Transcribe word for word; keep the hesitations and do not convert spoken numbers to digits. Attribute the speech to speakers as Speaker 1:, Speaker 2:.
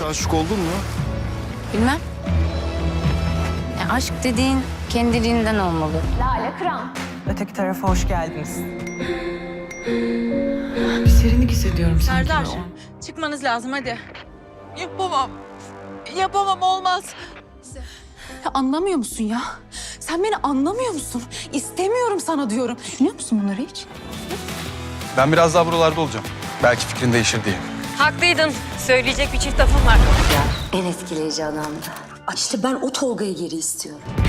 Speaker 1: hiç aşık oldun mu?
Speaker 2: Bilmem. Ya aşk dediğin kendiliğinden olmalı.
Speaker 3: Lale Kıran.
Speaker 4: Öteki tarafa hoş geldiniz.
Speaker 5: Bir serinlik hissediyorum sanki.
Speaker 6: Serdar, çıkmanız lazım hadi. Yapamam. Yapamam, olmaz.
Speaker 7: Ya anlamıyor musun ya? Sen beni anlamıyor musun? İstemiyorum sana diyorum. Düşünüyor musun bunları hiç?
Speaker 1: Ben biraz daha buralarda olacağım. Belki fikrin değişir diye.
Speaker 8: Haklıydın. Söyleyecek bir çift lafım var.
Speaker 2: En etkileyici adamdı.
Speaker 9: İşte ben o Tolga'yı geri istiyorum.